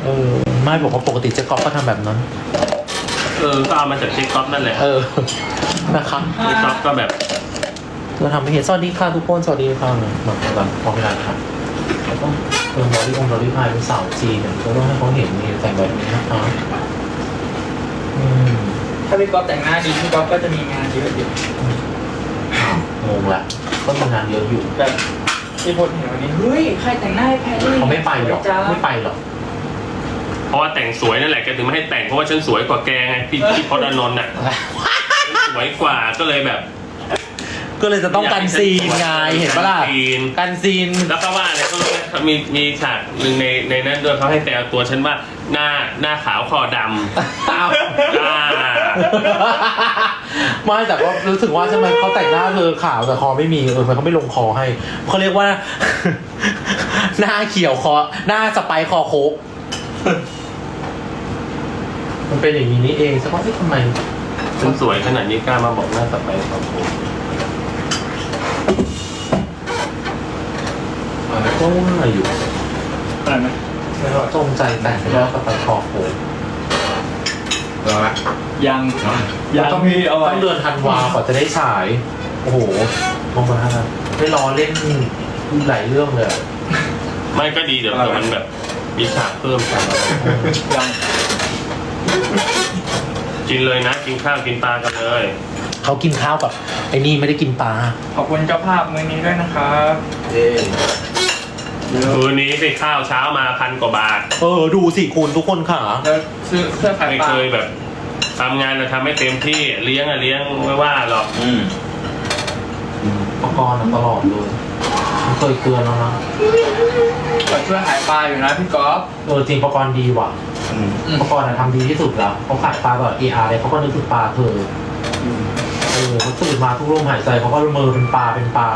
ไม่บอกว่าปกติเจ๊ก๊อฟก็ทำแบบนั้นก็เอามาจากเจ๊ก๊อฟนั่นแหละนะคะเจ๊ก๊อฟก็แบบเราทำให้เห็นสวัสดีค่ะทุกคนสวัสดีค่ะมาแบบพอเวลาค่ะแล้วก็บอดี้องบอดี้พายเป็นสาวจีนเนี่ยก็ต้องให้เขาเห็นนี่แต่งแบบนี้นะคะถ้าพี่ก๊อฟแต่งหน้าดีพี่ก๊อฟก็จะมีงานเยอะอยู่งงละก็ทำงานเยอะอยู่แบบที่พลเห็นวันนี้เฮ้ยใครแต่งหน้าให้แพรรี่เขาไม่ไปหรอกไม่ไปหรอกเพราะว่าแต่งสวยนั่นแหละแกถึงไม่ให้แต่งเพราะว่าฉันสวยกว่าแกไงพี่พจน์อานนท์น่ะสวยกว่าก็เลยแบบก็เลยจะต้องกันซีนไงเห็นปะล่ะกันซีนแล้วก็ว่าเนี่ยก็มีฉากหนึ่งในนั้นด้วยเขาให้แต่ตัวฉันว่าหน้าขาวคอดำไม่แต่ก็รู้สึกว่าใช่ไหมเขาแต่งหน้าคือขาวแต่คอไม่มีมันเขาไม่ลงคอให้เขาเรียกว่าหน้าเขียวคอหน้าสไปคอโคกมันเป็นอย่างนี้นี่เองสักว่าทำไมฉันสวยขนาดนี้กล้ามาบอกหน้าสไปคอโคกก็ว่าอยู่อะไรไหมแล้วจงใจแต่งแล้วก็ไปคอโคยังต้องมีเอาไว้ต้องเดือนธันวาก่อนจะได้ฉายโอ้โหมองมาได้รอเล่นหลายเรื่องเลยไม่ก็ดีเดี๋ยวมันแบบมีฉากเพิ่มกันยังกินเลยนะกินข้าวกินปลากันเลยเขากินข้าวกับไอ้นี่ไม่ได้กินปลาขอบคุณเจ้าภาพมื้อนี้ด้วยนะครับคืนนี้ไปข้าวเช้ามา1,000 กว่าบาทดูสิคุณทุกคนค่ะแล้วซื้อเสื้อขายไม่เคยแบบทำงานทำไม่เต็มที่เลี้ยงไม่ว่าหรอกประกรณ์ตลอดเลยเคยเตือนแล้วนะช่วยขายปลาอยู่นะพี่ก๊อฟจริงประกรณ์ดีว่ะประกรณ์ทำดีที่สุดแล้วเขาขายปลาแบบARเลยเขาก็นึกถึงปลาเธอเขาตื่นมาทุกลมหายใจเขาก็มือเป็นปลา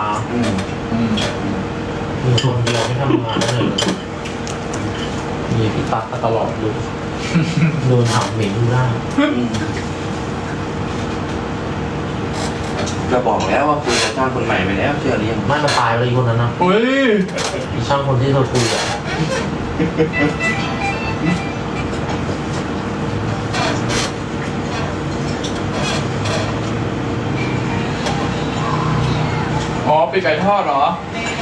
มีคนเดียวไม่ทำงานเลยมีพี่ตั๊กตลอดเลยโดนหางเหม็นดูได้จะบอกแล้วว่าคุยกับช่างคนใหม่ไปแล้วเชื่อหรือยังไม่มาตายเลยคนนั้นนะมีช่างคนที่เราคุยอ่ะปีกไก่ทอดเหรอ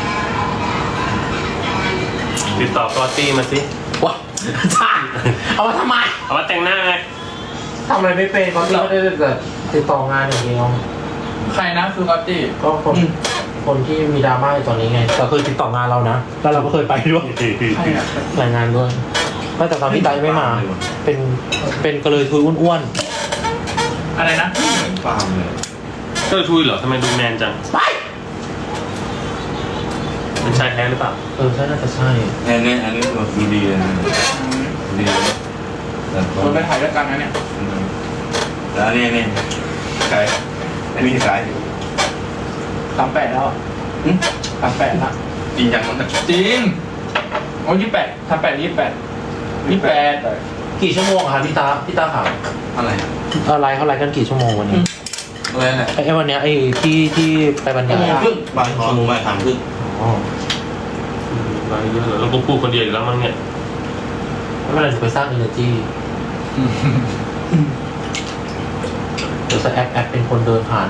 ติดต่อกอตตี้มาสิว้าช่างเอามาทำไมเอามาแต่งหน้าไงทำอะไรไม่เป็นกอตตี้ไม่ได้แต่ติดต่องานอย่างเดียวใครนะคือกอตตี้ก็คนที่มีดราม่าตอนนี้ไงแต่เคยติดต่องานเรานะแล้วเราก็เคยไปด้วยรายงานด้วยแต่ตอนพี่ไตไม่มาเป็นกระเลยทุยอ้วนๆอะไรนะฟาร์มเลยก็ทุยเหรอทำไมดูแมนจังไปเป็นชายแท้หรือเปล่าใช่น่าจะใช่อันนี้ตัวดูดีเลยดีเราไปถ่ายด้วยกันนะเนี่ยแล้วนี่ใครอันนี้ใคร 38แล้ว38ละจริงจังมั้งจริงโอ้28 28 กี่ชั่วโมงครับพี่ตาข่าวอะไรเขาไลฟ์กันกี่ชั่วโมงวันนี้อะไรเนี่ยไอ้วันเนี้ยไอ้ที่ไปบรรยายบ่าย2 โมงบ่าย 3 ครึ่งมาเยอะเลยแล้วก็พูดคนเดียวอยู่แล้วมั้งเนี่ยไม่เป็นไรจะไปสร้าง energy เดี๋ยวจะแอปเป็นคนเดินผ่าน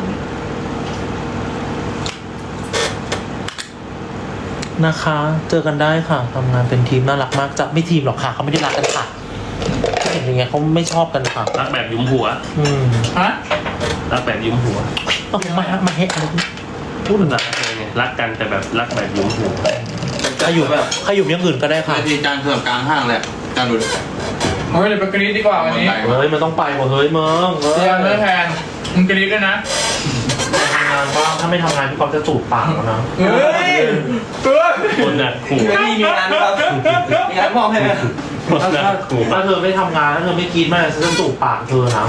นะคะเจอกันได้ค่ะทำงานเป็นทีมน่ารักมากจะไม่ทีมหรอกค่ะเขาไม่ได้รักกันค่ะเห็นยังไงเขาไม่ชอบกันค่ะรักแบบยุ้มหัวฮะรักแบบยุ้มหัวต้องมาเฮะอะไรพูดถึงอะรักกันแต่แบบรักแบบยุ้มหัวใครอยู่อย่างอื่นก็ได้ค่ะที่จานเสื่อมกลางห้างแหละจานดูเฮ้ยเดี๋ยวไปกรี๊ดดีกว่าวันนี้มันต้องไปหมดเฮ้ยมึงเดี๋ยวไม่แทนมึงกรี๊ดด้วยนะทำงานบ้างถ้าไม่ทำงานพี่ก๊อฟจะจูบปากแล้วนะเฮ้ยคนน่ะขู่มีงานครับมีงานมอบให้ไหมถ้าเธอไม่ทำงานถ้าเธอไม่กินไม่ฉันจะจูบปากเธอนะ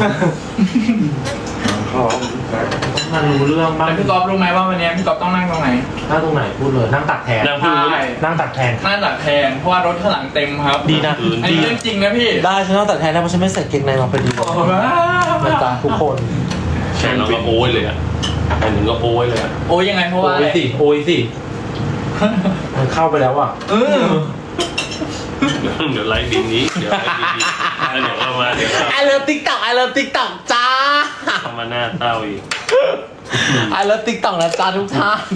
มันรู้เรื่องบ้างพี่ก๊อฟรู้ไหมว่าวันนี้พี่ก๊อฟต้องนั่งตรงไหนนั่งตรงไหนพูดเลยนั่งตักแทนนั่งตักแทนเพราะว่ารถข้างหลังเต็มครับดีนะอันนี้เรื่องจริงนะพี่ได้ฉันนั่งตักแทนแล้วเพราะฉันไม่ใส่เกงในมาพอดีนะจ๊ะทุกคนแข่งเราก็โอ้ยเลยอ่ะแข่งถึงก็โอ้ยเลยอ่ะโอ้ยยังไงเพราะว่าโอ้ยสิมันเข้าไปแล้วอ่ะเดี๋ยวไลฟ์บินนี้เดี๋ยวไลฟ์บินนี้แล้วเดี๋ยวเรามาเดี๋ยว I love TikTok I love TikTok จ้าเรามาหน้าเต้าอีก I love TikTok นะจ้าทุกท่าน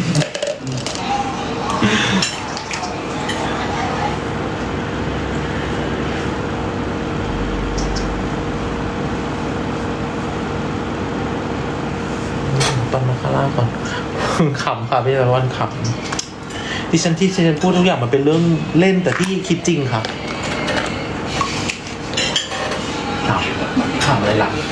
ตอนมาข้างล่างก่อน ขำค่ะพี่ตะวันขำที่ฉันพูดทุกอย่างมันเป็นเรื่องเล่นแต่ที่คิดจริงค่ะขำอะไรล่ะ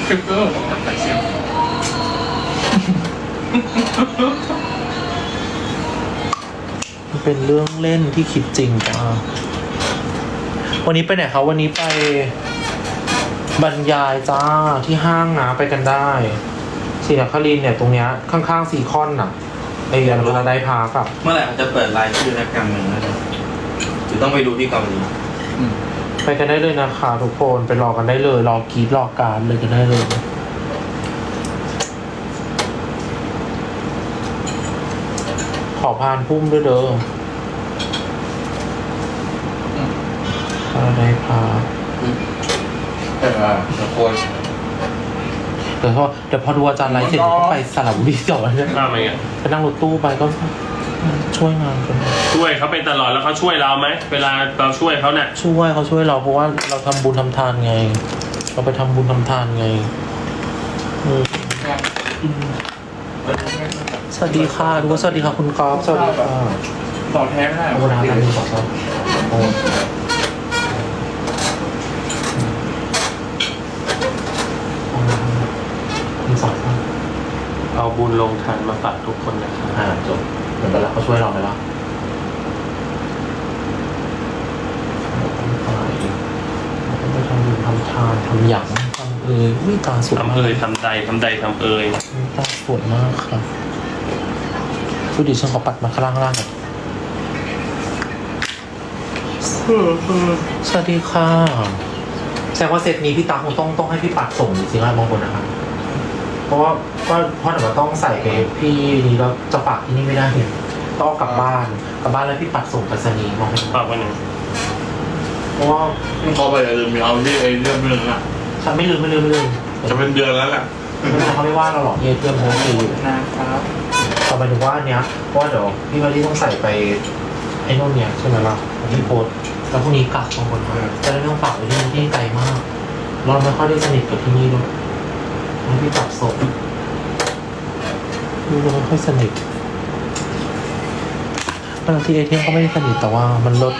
มันเป็นเรื่องเล่นที่คิดจริงจ้าวันนี้ไปไหนคะวันนี้ไปบรรยายจ้าที่ห้างนะไปกันได้ศรีนครินทร์เนี่ยตรงเนี้ยข้างๆซีคอนน่ะไอ้ยันพาราไดซ์พาร์คอะเมื่อไหร่เขาจะเปิดรายชื่อนักการเมืองนะหรือต้องไปดูที่เกาหลีไปกันได้เลยนะคะทุกคนไปรอกันได้เลยรอกรีดรอการเลยกันได้เลยขอพานพุ่มด้วยเด้อพาราไดซ์พาร์คทุกคนเดี๋ยวพอดูอาจารย์ไลฟ์เสร็จก็ไปสระบุรีต่อเลยข้ามไปไงไปนั่งรถตู้ไปก็ช่วยงานกันช่วยเขาเป็นตลอดแล้วเขาช่วยเราไหมเวลาเราช่วยเขาเนี่ยช่วยเขาช่วยเราเพราะว่าเราทำบุญทำทานไง เราไปทำบุญทำทานไงสวัสดีค่ะทุกคนสวัสดีค่ะคุณกอล์ฟสวัสดีค่ะต่อแท้ไม่ได้โอ้น้ำน้ำมีสองซองโอ้มีสองซองเอาบุญลงทานมาฝากทุกคนนะครับจบเหมือนกันแล้วเขาช่วยเราไหมล่ะไปทำบุญทำทานทำหยังทำวิตาสวยทำมากเอ่ยทำใดทำใดทำเอ่ยตาสวยมากครับดูดิฉันขอปัดมาข้างล่างก่อนสวัสดีค่ะแสดงว่าเซตนี้พี่ตาคงต้องให้พี่ปัดส่งจริงๆนะบางคนนะครับเพราะว่าเพราะเดี๋ยวมันต้องใส่ไปพี่นี้แล้วจะฝากที่นี่ไม่ได้ต้องเอากลับบ้านแล้วพี่ปัดส่งไปรษณีย์มองไม่เห็นฝากไว้หนึ่งเพราะว่าเขาไปลืมเอาที่ไอ้เรื่องนึงอ่ะฉันไม่ลืมจะเป็นเดือนแล้วแหละเขาไม่ว่าเราหรอกเพื่อนโพสต์คือนะครับต่อไปถึงว่าอันเนี้ยเพราะว่าเดี๋ยวพี่มารีต้องใส่ไปไอ้นู่นเนี่ยใช่ไหมล่ะที่โพสต์แล้วพรุ่งนี้กลับบางคนจะได้ไม่ต้องฝากไว้ที่ไกลมากเราไม่ค่อยได้สนิทกับที่นี่ด้วยแล้วพี่ตัดศพเราไม่ค่อยสนิทบางทีเอทีเอ็มก็ไม่ได้สนิทแต่ว่ามันลด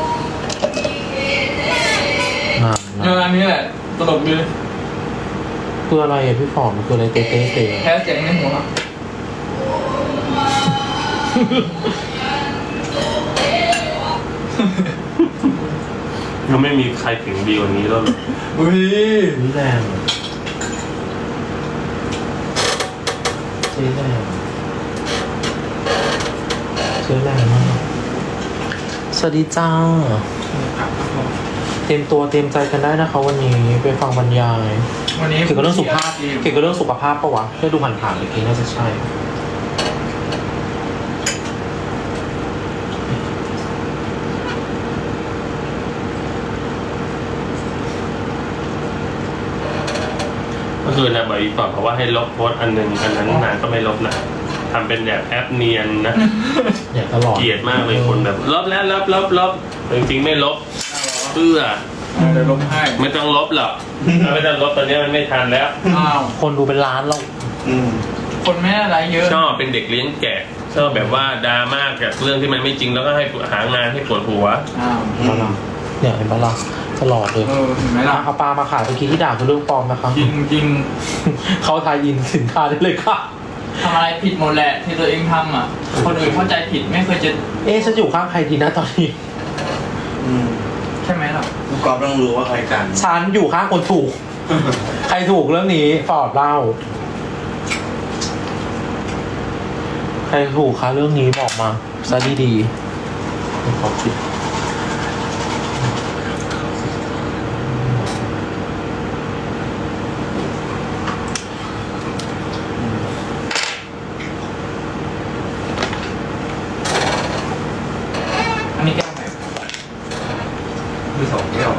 งานงานนี้แหละตลกดีคืออะไรอ่ะพี่ฟอร์มคืออะไรเต๊ะแพ้เสียงในหัวก็ไม่มีใครถึงดีกว่านี้แล้วหรอกอุ้ยนี่แรงเจ๊แรงมากสวัสดีจ้าเตรียมตัวเตรียมใจกันได้นะคะวันนี้ไปฟังบรรยายวันนี้เกี่ยวกับเรื่องสุขภาพปะวะแค่ดูผ่านๆเมื่อกี้น่าจะใช่เมื่อคืนนะบอกอีกก่อนเพราะว่าให้ลบโพสต์อันหนึ่งอันนั้นนานก็ไม่ลบนะทำเป็นแบบแอปเนียนนะอย่างตลอดเกลียดมากเลยคนแบบลบแล้วลบจริงๆไม่ลบเพื่อเดี๋ยวลงให้ไม่ต้องลบหรอกถ้าไม่ต้องลบตอนนี้มันไม่ทันแล้วอ้าวคนดูเป็นล้านแล้วคนไม่อะไรเยอะชอบเป็นเด็กเลี้ยงแกะชอบแบบว่าดราม่ากับเรื่องที่มันไม่จริงแล้วก็ให้หางานให้ปวดหัวอ้าวเนี่ยเห็นปะล่ะตลอดเลยเห็นไหมล่ะเอาปลามาขายเมื่อกี้ที่ด่าคือเรื่องปลอมนะคะจริงจริงเขาทายอินสินค้าได้เลยค่ะทำอะไรผิดหมดแหละที่ตัวเองทำอ่ะ คนอื่นเข้าใจผิดไม่เคยจะเอ๊ะฉันอยู่ข้างใครดีนะตอนนี้ใช่ไหมล่ะผู้กอบต้องรู้ว่าใครกันฉันอยู่ข้างคนถูก ใครถูกเรื่องนี้ฟอร์ดเล่า ใครถูกคะเรื่องนี้บอกมาซะดีๆขอคิดอันนี้แก้วไหนส่งไม่ออก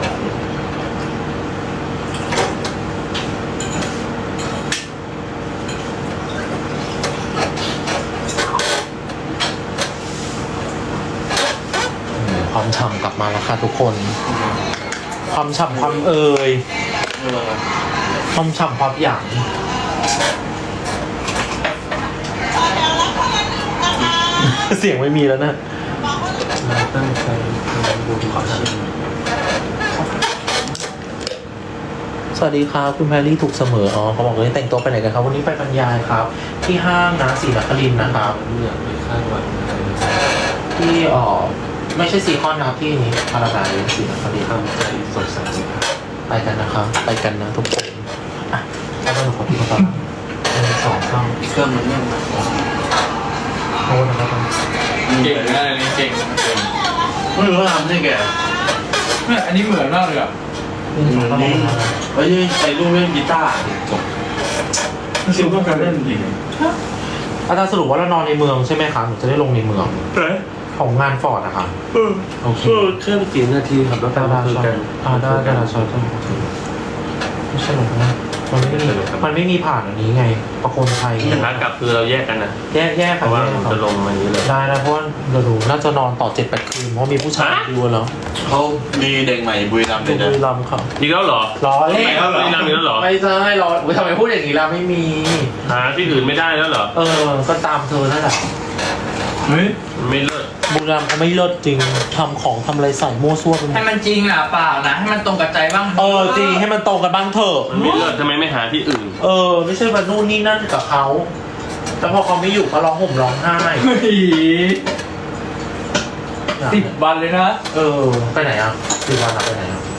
ความฉ่ำกลับมาแล้วค่ะทุกคน ความฉ่ำความเอ่ยความฉ่ำความหยางเสียงไม่มีแล้วนะตั้งใจดูขอชิมสวัสดีครับคุณแพรรี่ถูกเสมออ๋อเขาบอกเลยแต่งตัวไปไหนกันครับวันนี้ไปบรรยายครับ ที่ห้างนะศรีนครินทร์นะครับเลือกไปข้างวันที่ไม่ใช่ซีคอนนะครับที่นี้พาราไดซ์ศรีนครินทร์ทำใจสดใสไปกันนะครับไปกันนะทุกคนอ่ะแล้วก็หนูขอพี่เขาตอนสองช่องเครื่องมันเนี่ยโทษนะครับเก่งนะอันนี้เก่งไม่รู้ว่าทำได้แกเนี่ยอันนี้เหมือนมากเลยอ่ะนี่สองช่องนะครับเฮ้ยใส่ลูกเล่นกีตาร์จบซิลก็การเล่นจริงอาจารย์สรุปว่าเรานอนในเมืองใช่ไหมคะหนูจะได้ลงในเมืองของงานฟอร์ดนะคะโอเคแค่กี่นาทีครับแล้วได้ได้ใช่ได้ใช่ไม่ใช่หรอกนะมันไม่มีผ่านอันนี้ไงประโคนชัยแต่ขากลับคือเราแยกกันนะแย่เพค่ะราะว่าแย่มันค่ะจะลงมาอย่างนี้เลยได้นะเพราะว่าเราดูน่าจะนอนต่อ 7-8 คืนเพราะมีผู้ชายดูแล้วเขามีเด็กใหม่บุรีรัมย์ดูเลยบุนะรีรัมย์ค่ะอีกแล้วเหรอรอเล่นไม่นำอีกแล้วเหรอไม่ใช่รอทำไมพูดอย่างนี้ล่ะไม่มีหาที่อื่นไม่ได้แล้วเหรอก็ตามเธอนั่นแหละเฮ้ยมันไม่เลิศบุรีรัมย์เขาไม่เลิศจริงทำของทำอะไรใส่มั่วซั่วไปหมให้ดมันจริงอ่ะเปล่านะให้มันตรงกับใจบ้างจริงให้มันตรงกันบ้างเถอะมันไม่เลิศทำไมไม่หาที่อื่นไม่ใช่มานู่นนี่นั่นกับเขาแต่พอเขาไม่อยู่ก็ร้องห่มร้องไห้เฮ้ย10 วันเลยนะไปไหนอ่ะ10 วันอะไปไหนอ่ะ